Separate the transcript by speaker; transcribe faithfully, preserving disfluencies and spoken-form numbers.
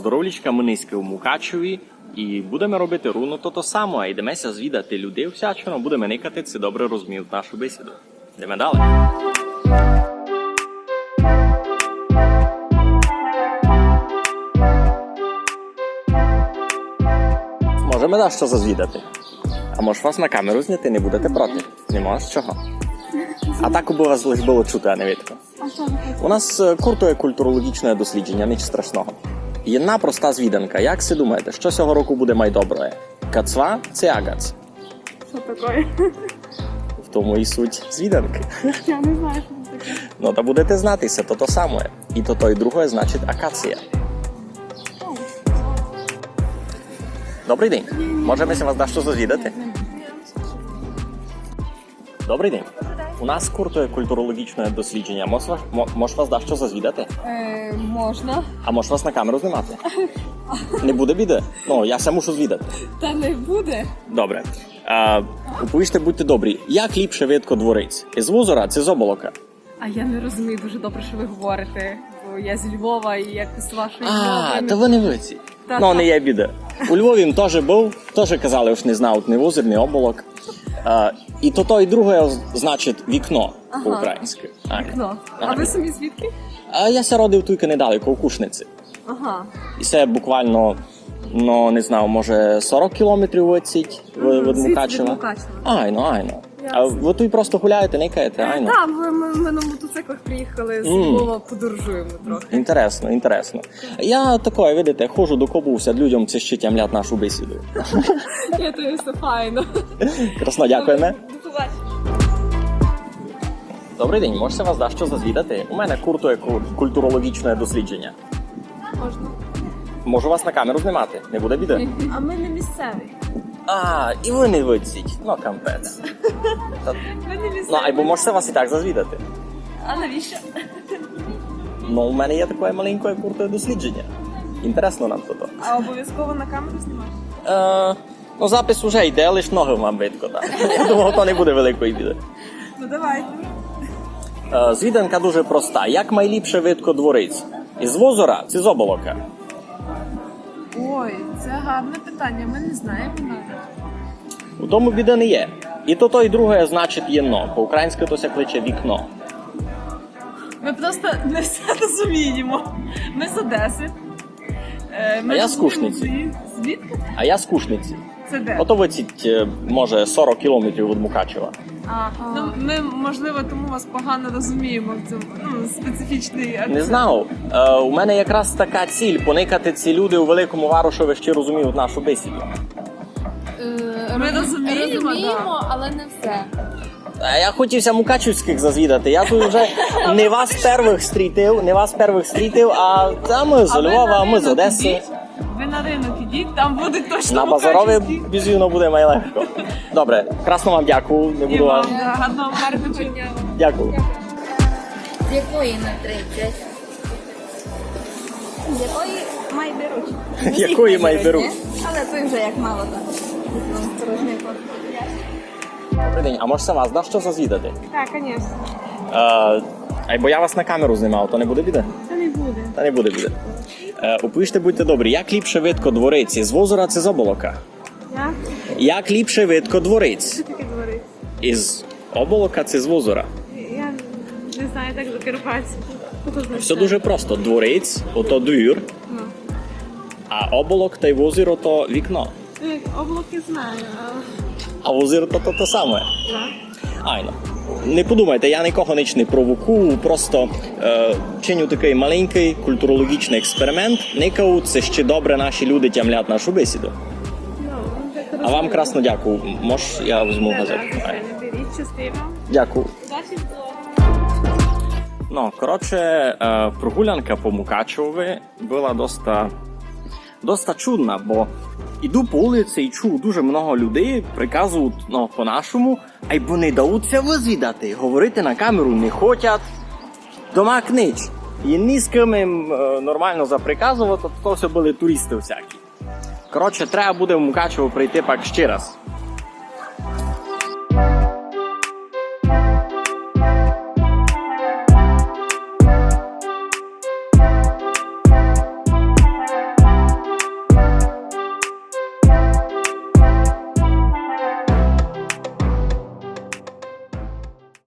Speaker 1: здоровлячка, ми низьки у Мукачеві і будемо робити руно то то само, а йдемося звідати людей всячину, будемо никати, це добре розуміють нашу бесіду. Йдемо далі. Можемо да що зазвідати. А може вас на камеру зняти, не будете проти? Нема з чого. А так би вас лише було чути, а не видно. У нас куртує культурологічне дослідження, ніч страшного. Єдна проста звіданка. Як си думаєте, що цього року буде майдоброє? Кацва чи агац?
Speaker 2: Що таке?
Speaker 1: В тому і суть звіданки.
Speaker 2: Я не знаю, що це таке.
Speaker 1: Ну, та будете знатися, то то саме. І то то і друге значить акація. Добрий день. Можемо вас дещо зазвідати? Добрий день. У нас куртує культурологічне дослідження. Може, може вас дещо зазвідати?
Speaker 2: Е, можна.
Speaker 1: А може вас на камеру знімати? Не буде біди? Ну, я все мушу звідати.
Speaker 2: Та не буде.
Speaker 1: Добре. А, Уповіжте, будьте добрі. Як ліпше видко дворець? Із Вузора чи з Оболока?
Speaker 2: А я не розумію дуже добре, що ви говорите. Бо я з Львова і якось з вашої
Speaker 1: А,
Speaker 2: мови.
Speaker 1: то ви не виці.
Speaker 2: Та,
Speaker 1: Ну,
Speaker 2: та.
Speaker 1: не є біда. У Львові він теж був, теж казали, що не знають ні Вузор, ні Оболок. А, і то то і друге значить вікно
Speaker 2: Ага.
Speaker 1: по-українськи. Так.
Speaker 2: Ну, а
Speaker 1: Ага.
Speaker 2: ви самі звідки?
Speaker 1: А я ся родив тільки недалеко, у Кушниці.
Speaker 2: Ага.
Speaker 1: І це буквально, ну, не знаю, може сорок кілометрів виціть від
Speaker 2: Звідси від
Speaker 1: Мукачева.
Speaker 2: Мукачева.
Speaker 1: Айно, айно. А
Speaker 2: Ясно.
Speaker 1: ви тут просто гуляєте, никаєте, айно.
Speaker 2: Так, ми, ми, ми на мотоциклах приїхали з
Speaker 1: Мм.
Speaker 2: Львова, подорожуємо трохи.
Speaker 1: Інтересно, інтересно. Я такое, видите, ходжу до кобуся, людям це ще тямлять нашу бесіду.
Speaker 2: Я то все файно.
Speaker 1: Красно, дякуємо.
Speaker 2: До побачення.
Speaker 1: Добрий день, можете вас дещо зазвідати? У мене куртує ку- культурологічне дослідження.
Speaker 2: Можна.
Speaker 1: Можу вас на камеру знімати, не буде біди?
Speaker 2: А ми не місцеві.
Speaker 1: А, і ви не виціть. Ну, кампець. Та-
Speaker 2: Ми не місцеві.
Speaker 1: Ну, або можете вас і так зазвідати.
Speaker 2: А навіщо?
Speaker 1: Ну, у мене є таке маленьке куртує дослідження. Інтересно нам то.
Speaker 2: А обов'язково на камеру знімаєш?
Speaker 1: Е, ну, запис уже йде, лиш ноги вам видко, так. Я думав, то не буде великої біди.
Speaker 2: Ну давай.
Speaker 1: Е, звіданка дуже проста. Як найліпше видко дворець? Із Вузора чи з Оболока?
Speaker 2: Ой, це гарне питання, ми не знаємо навіть.
Speaker 1: У тому біди не є. І то то, і друге значить єно. По-українськи то ся кличе вікно.
Speaker 2: Ми просто не все розуміємо. Ми з Одеси. Е, Ми
Speaker 1: А я з
Speaker 2: живемо
Speaker 1: Кушниці.
Speaker 2: в- Звідки?
Speaker 1: А я з Кушниці.
Speaker 2: Це де?
Speaker 1: Ото виціть, е, може, сорок кілометрів від Мукачева.
Speaker 2: А, ну, ми, можливо, тому вас погано розуміємо в цьому ну, специфічний акцент.
Speaker 1: Не знав. Е, у мене якраз така ціль – поникати ці люди у Великому Варушові ще розуміють нашу бесіду.
Speaker 2: Ми розуміємо,
Speaker 3: розуміємо, але не все.
Speaker 1: А я хотівся мукачівських зазвідати. Я тут вже не вас первих стрітив, не вас первих стрітив, а та ми з
Speaker 2: А ви
Speaker 1: Львова,
Speaker 2: на
Speaker 1: а ми з
Speaker 2: ринок
Speaker 1: Одеси.
Speaker 2: ідіть. Ви на ринок ідіть, там буде точно
Speaker 1: На базарові
Speaker 2: мукачівські.
Speaker 1: безвівно буде найлегко. Добре, красно вам дякую. Не
Speaker 2: І
Speaker 1: буду
Speaker 2: вам
Speaker 1: вам.
Speaker 2: гарного гарного дня.
Speaker 1: Дякую.
Speaker 3: З якої на тридцять?
Speaker 4: З якої май беруть.
Speaker 1: Якої май беруть?
Speaker 4: ні? Але той вже як мало так. Осторожний ход.
Speaker 1: Добрий день, а може це вас, да, що зазвідати?
Speaker 2: Так, звісно.
Speaker 1: Е, а бо я вас на камеру знімав, то не буде біде?
Speaker 2: Це не буде.
Speaker 1: Та не буде біде. Е, Опиште, будьте добрі, як ліпше видко дворець? З Вузора чи з Оболока?
Speaker 2: Як?
Speaker 1: Як ліпше видко дворець?
Speaker 2: Що таке говорить?
Speaker 1: Із Оболока чи з Вузора?
Speaker 2: Я не знаю, так закарпатську.
Speaker 1: Все дуже просто. Дворець – ото двір,
Speaker 2: Ну.
Speaker 1: а Оболок та й Вузір – то вікно.
Speaker 2: Облаки знаю, а...
Speaker 1: А Вузір – то то, то саме.
Speaker 2: Так.
Speaker 1: Айно. Не подумайте, я нікого ніч не провокую, просто е, чиню такий маленький культурологічний експеримент. Никау, це ще добре наші люди тямлять нашу бесіду.
Speaker 2: Ну, так
Speaker 1: А вам красно дякую. Мож, я візьму газету. Ай.
Speaker 2: Беріть, частиво.
Speaker 1: Дякую.
Speaker 2: Удачі в блогу.
Speaker 1: Ну, коротше, е, прогулянка по Мукачеві була доста, доста чудна, бо іду по вулиці і чую дуже много людей, приказують ну, по-нашому, а й бо не даються визвідати, говорити на камеру не хочуть, дома книч. І ні з ким їм е, нормально заприказувати, то все були туристи всякі. Коротше, треба буде в Мукачево прийти пак ще раз.